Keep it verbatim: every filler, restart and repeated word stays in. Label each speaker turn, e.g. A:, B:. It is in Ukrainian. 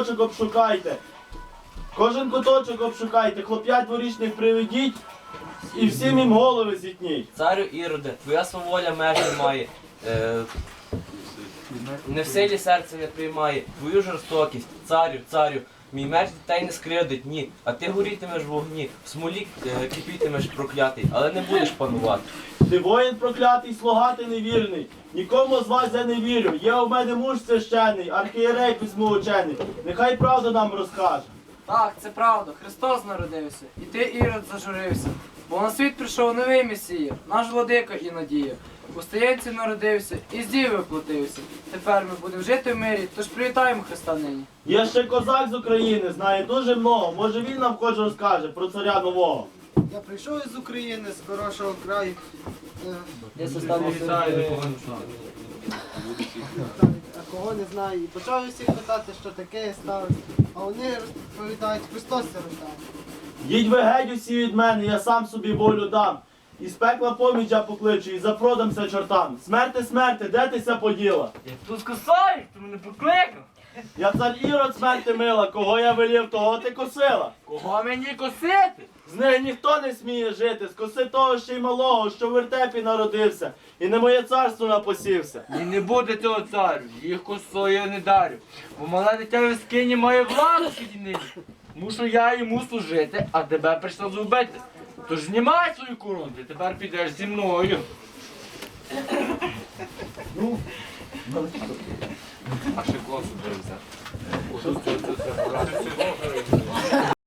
A: куточок обшукайте. Кожен куточок обшукайте, хлоп'ят дворічних приведіть і всім їм голови зітніть.
B: Царю Іроде, твоя сваволя меж не має. Е, не в силі серце не приймає твою жорстокість, царю, царю. Мій меч дітей не скривдить, ні, а ти горітимеш в вогні, в смолі е, кипітимеш проклятий, але не будеш панувати.
A: Ти воїн проклятий, слуга ти невірний. Нікому з вас я не вірю. Є у мене муж священний, архієрей письмоучений. Нехай правду нам розкаже.
C: Так, це правда, Христос народився, і ти, Ірод, зажурився. Бо на світ прийшов новий Месія, наш владика і надія. У стаєнці народився і з діви вплотився. Тепер ми будемо жити в мирі, тож привітаємо Христа нині.
A: Є ще козак з України, знає дуже много. Може він нам хоч розкаже про царя нового.
D: Я прийшов із України, з хорошого краю. Е,
C: Я составив
D: А кого не знаю. І почав усіх питати, що таке ставить. А вони розповідають, Христос це роздав.
A: Їдь ви геть усі від мене, я сам собі волю дам. І з пекла поміч я покличу, і запродамся чортам. Смерти, смерти, де ти ся поділа?
C: Я тут скосаю, ти мене покликав.
A: Я цар Ірод смерти мила, кого я велів, того ти косила.
C: Кого мені косити?
A: З нею ніхто не сміє жити, скоси того ще й малого, що в вертепі народився, і не моє царство напосівся.
E: І не буде цього царю, їх косою я не дарю. Бо мале дитя в скині має владу підійнині. Мушу я йому служити, а тебе прийшла зубити. Тож знімай свою корону, ти тепер підеш зі мною. А ще класу взяв.